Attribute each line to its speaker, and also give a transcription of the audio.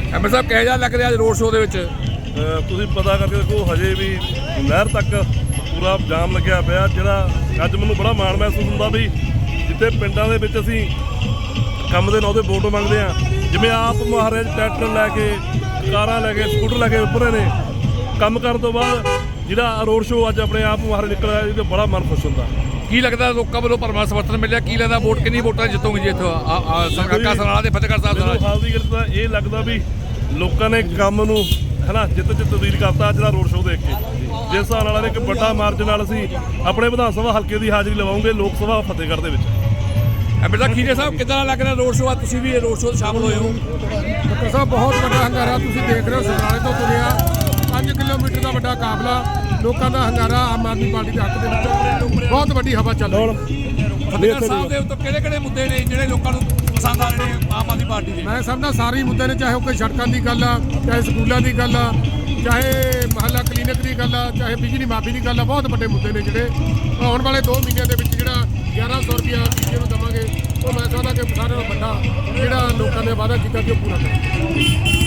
Speaker 1: ML ਸਾਹਿਬ ਕਿਹੋ ਜਿਹਾ ਲੱਗ ਰਿਹਾ ਅੱਜ ਰੋਡ ਸ਼ੋਅ ਦੇ ਵਿੱਚ?
Speaker 2: ਤੁਸੀਂ ਪਤਾ ਕਰਕੇ ਦੇਖੋ ਹਜੇ ਵੀ ਨਹਿਰ ਤੱਕ ਪੂਰਾ ਜਾਮ ਲੱਗਿਆ ਪਿਆ, ਜਿਹੜਾ ਅੱਜ ਮੈਨੂੰ ਬੜਾ ਮਾਣ ਮਹਿਸੂਸ ਹੁੰਦਾ ਵੀ ਜਿੱਥੇ ਪਿੰਡਾਂ ਦੇ ਵਿੱਚ ਅਸੀਂ ਕੰਮ ਦੇ ਨਾਂ ਤੇ ਵੋਟ ਮੰਗਦੇ ਹਾਂ, ਜਿਵੇਂ ਆਪ ਮੁਹਾਰੇ ਟਰੈਕਟਰ ਲੈ ਕੇ, ਕਾਰਾਂ ਲੈ ਕੇ, ਸਕੂਟਰ ਲੈ ਕੇ ਉੱਪਰੇ ਨੇ, ਕੰਮ ਕਰਨ ਤੋਂ ਬਾਅਦ ਜਿਹੜਾ ਰੋਡ ਸ਼ੋਅ ਅੱਜ ਆਪਣੇ ਆਪ ਮੁਹਾਰੇ ਨਿਕਲ ਆਇਆ, ਇਹਦੇ ਬੜਾ ਮਨ ਖੁਸ਼ ਹੁੰਦਾ।
Speaker 1: ਕੀ ਲੱਗਦਾ ਲੋਕਾਂ ਵੱਲੋਂ ਭਰਵਾਂ ਸਮਰਥਨ ਮਿਲਿਆ? ਕੀ ਲੱਗਦਾ ਵੋਟ ਕਿੰਨੀ ਵੋਟਾਂ ਜਿੱਤੋਗੇ ਜੀ ਇੱਥੋਂ ਸਰਕਾਕਾ ਸਮਰਾਲਾ ਤੇ ਫਤਿਹਗੜ੍ਹ ਸਾਹਿਬ
Speaker 2: ਮੈਨੂੰ ਹਾਲ ਦੀ ਗੱਲ ਤਾਂ ਇਹ ਲੱਗਦਾ ਵੀ ਲੋਕਾਂ ਨੇ ਕੰਮ ਨੂੰ ਹਨਾ ਜਿੱਤ ਤਬਦੀਲ ਕਰਤਾ ਜਿਹੜਾ ਰੋਡ ਸ਼ੋਅ ਦੇਖ ਕੇ। ਜਿਸ ਹਿਸਾਬ ਨਾਲ ਇੱਕ ਵੱਡਾ ਮਾਰਜਨ ਨਾਲ ਅਸੀਂ ਆਪਣੇ ਵਿਧਾਨ ਸਭਾ ਹਲਕੇ ਦੀ ਹਾਜ਼ਰੀ ਲਵਾਉਂਗੇ ਲੋਕ ਸਭਾ ਫਤਿਹਗੜ੍ਹ ਦੇ ਵਿੱਚ।
Speaker 1: ਐਮਐਲ ਸਾਹਿਬ ਖੀਰੇ ਸਾਹਿਬ ਕਿੱਦਾਂ ਲੱਗ ਰਿਹਾ ਰੋਡ ਸ਼ੋਅ? ਤੁਸੀਂ ਵੀ ਰੋਡ ਸ਼ੋਅ 'ਚ ਸ਼ਾਮਲ ਹੋਏ ਹੋ।
Speaker 3: ਡਾਕਟਰ ਸਾਹਿਬ ਬਹੁਤ ਵੱਡਾ ਹੰਗਾਰਾ ਤੁਸੀਂ ਦੇਖ ਰਹੇ ਹੋ। ਸਮਰਾਲੇ ਤੋਂ ਤੁਰਿਆ 5 ਕਿਲੋਮੀਟਰ ਦਾ ਵੱਡਾ ਕਾਫਲਾ, ਲੋਕਾਂ ਦਾ ਹੰਗਾਰਾ ਆਮ ਆਦਮੀ ਪਾਰਟੀ ਦੇ ਹੱਕ ਦੇ ਵਿੱਚ ਬਹੁਤ ਵੱਡੀ ਹਵਾ ਚੱਲ ਰਹੀ ਹੈ।
Speaker 1: ਫਤਿਹਗੜ੍ਹ ਸਾਹਿਬ ਦੇ ਉੱਤੇ ਕਿਹੜੇ ਮੁੱਦੇ ਨੇ ਜਿਹੜੇ ਲੋਕਾਂ ਨੂੰ ਪਸੰਦ ਆ ਰਹੇ ਨੇ ਆਮ ਆਦਮੀ ਪਾਰਟੀ ਦੇ?
Speaker 3: ਮੈਂ ਸਮਝਦਾ ਸਾਰੇ ਮੁੱਦੇ ਨੇ, ਚਾਹੇ ਉਹ ਕੋਈ ਸੜਕਾਂ ਦੀ ਗੱਲ ਆ, ਚਾਹੇ ਸਕੂਲਾਂ ਦੀ ਗੱਲ ਆ, ਚਾਹੇ ਮਹੱਲਾ ਕਲੀਨਿਕ ਦੀ ਗੱਲ ਆ, ਚਾਹੇ ਬਿਜਲੀ ਮਾਫੀ ਦੀ ਗੱਲ ਆ। ਬਹੁਤ ਵੱਡੇ ਮੁੱਦੇ ਨੇ ਜਿਹੜੇ ਆਉਣ ਵਾਲੇ 2 ਮਹੀਨਿਆਂ ਦੇ ਵਿੱਚ ਜਿਹੜਾ 1100 ਰੁਪਇਆ ਬੀਜੇ ਨੂੰ ਦੇਵਾਂਗੇ, ਉਹ ਮੈਂ ਸਮਝਦਾ ਕਿ ਸਾਰਿਆਂ ਨਾਲੋਂ ਵੱਡਾ ਜਿਹੜਾ ਲੋਕਾਂ ਨੇ ਵਾਅਦਾ ਕੀਤਾ ਕਿ ਉਹ ਪੂਰਾ ਕਰਾਂਗੇ।